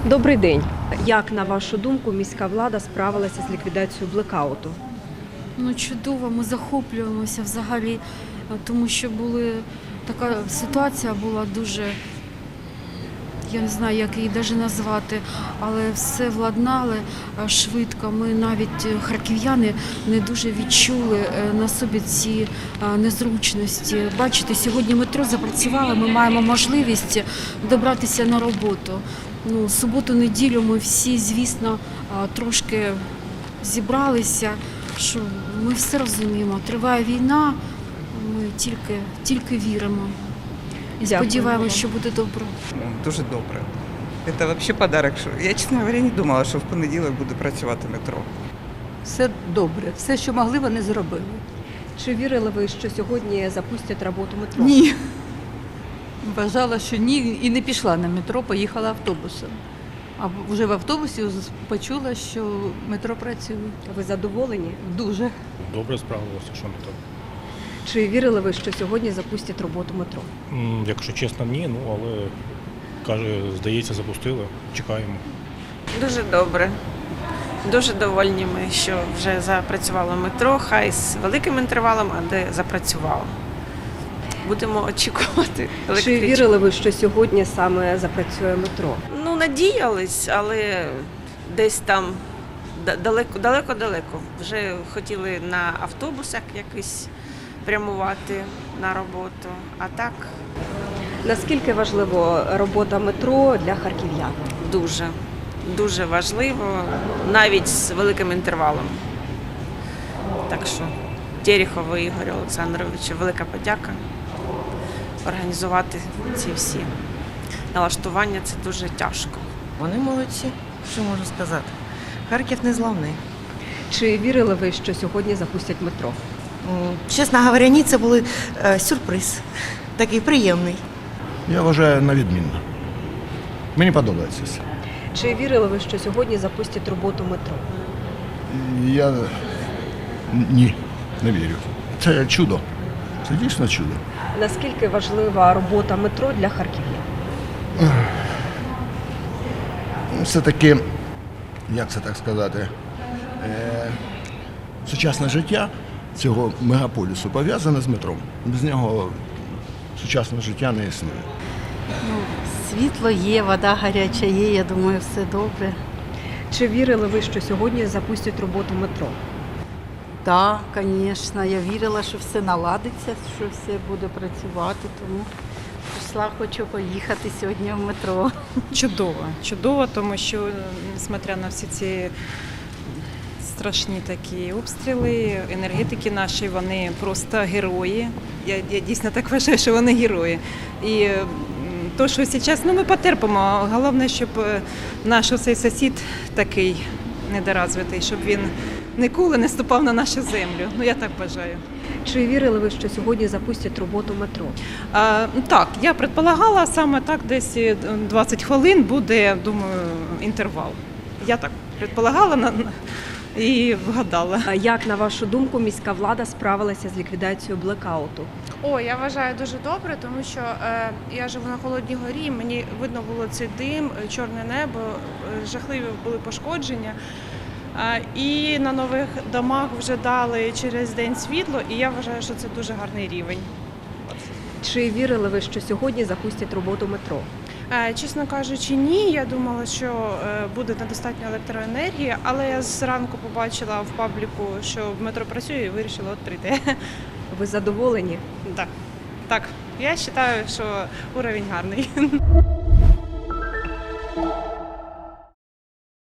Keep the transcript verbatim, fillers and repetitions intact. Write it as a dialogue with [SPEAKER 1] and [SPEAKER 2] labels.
[SPEAKER 1] Добрий день. Як, на вашу думку, міська влада справилася з ліквідацією блекауту?
[SPEAKER 2] Ну, чудово, ми захоплюємося взагалі, тому що були, така ситуація була дуже, я не знаю, як її навіть назвати, але все владнали швидко. Ми навіть, харків'яни, не дуже відчули на собі ці незручності. Бачите, сьогодні метро запрацювало, ми маємо можливість добратися на роботу. Ну, суботу-неділю ми всі, звісно, трошки зібралися, що ми все розуміємо. Триває війна, ми тільки, тільки віримо. І сподіваємося, що буде добре.
[SPEAKER 3] Дуже добре. Це взагалі подарок. Я, чесно говоря, не думала, що в понеділок буде працювати метро.
[SPEAKER 4] Все добре, все, що могли, вони зробили.
[SPEAKER 1] Чи вірили ви, що сьогодні запустять роботу метро?
[SPEAKER 4] Ні. Вважала, що ні, і не пішла на метро, поїхала автобусом. А вже в автобусі почула, що метро працює.
[SPEAKER 1] Ви задоволені?
[SPEAKER 4] Дуже.
[SPEAKER 5] Добре справилося, що не так.
[SPEAKER 1] Чи вірили ви, що сьогодні запустять роботу метро?
[SPEAKER 5] М, Якщо чесно, ні, ну але каже, здається, запустили. Чекаємо.
[SPEAKER 6] Дуже добре. Дуже довольні ми, що вже запрацювало метро, хай з великим інтервалом, але запрацювало. Будемо очікувати
[SPEAKER 1] Чи
[SPEAKER 6] електричку.
[SPEAKER 1] вірили ви, що сьогодні саме запрацює метро?
[SPEAKER 6] Ну, надіялись, але десь там далеко-далеко. Вже хотіли на автобусах якось прямувати на роботу, а так
[SPEAKER 1] Наскільки важлива робота метро для харків'ян?
[SPEAKER 6] дуже, дуже важливо, навіть з великим інтервалом. Так що Терехову Ігорю Олександровичу велика подяка. Організувати ці всі налаштування – це дуже тяжко.
[SPEAKER 7] Вони молодці, що можу сказати. Харків незламний.
[SPEAKER 1] Чи вірили ви, що сьогодні запустять метро?
[SPEAKER 7] М, Чесно говоря, ні, це був е, сюрприз. Такий приємний.
[SPEAKER 8] Я вважаю на відмінно. Мені подобається все.
[SPEAKER 1] Чи вірили ви, що сьогодні запустять роботу метро?
[SPEAKER 8] Я ні, не вірю. Це чудо. Це дійсно чудо.
[SPEAKER 1] Наскільки важлива робота метро для харків'ян?
[SPEAKER 8] Все-таки, як це так сказати, е, сучасне життя цього мегаполісу пов'язане з метром. Без нього сучасне життя не існує.
[SPEAKER 9] Ну, світло є, вода гаряча є, я думаю, все добре.
[SPEAKER 1] Чи вірили ви, що сьогодні запустять роботу метро?
[SPEAKER 9] Так, звісно, я вірила, що все наладиться, що все буде працювати, тому прийшла, хочу поїхати сьогодні в метро.
[SPEAKER 10] Чудово, чудово, тому що, несмотря на всі ці страшні такі обстріли, енергетики наші, вони просто герої. Я, я дійсно так вважаю, що вони герої. І то, що зараз, ну ми потерпимо. Головне, щоб наш цей сусід такий недоразвитий, щоб він ніколи не ступав на нашу землю. Ну я так вважаю.
[SPEAKER 1] Чи вірили ви, що сьогодні запустять роботу метро?
[SPEAKER 10] А, так, я предполагала, саме так десь двадцять хвилин буде, думаю, інтервал. Я так предполагала на- і вгадала.
[SPEAKER 1] А як, на вашу думку, міська влада справилася з ліквідацією блекауту?
[SPEAKER 11] О, я вважаю дуже добре, тому що е, я живу на Холодній горі, мені видно було цей дим, е, чорне небо, е, жахливі були пошкодження. Е, і на нових домах вже дали через день світло, і я вважаю, що це дуже гарний рівень.
[SPEAKER 1] Чи вірили ви, що сьогодні запустять роботу метро?
[SPEAKER 11] Е, чесно кажучи, ні. Я думала, що е, буде недостатньо електроенергії, але я зранку побачила в пабліку, що метро працює, і вирішила от прийти.
[SPEAKER 1] Ви задоволені?
[SPEAKER 11] Так, так, я вважаю, що уровень гарний.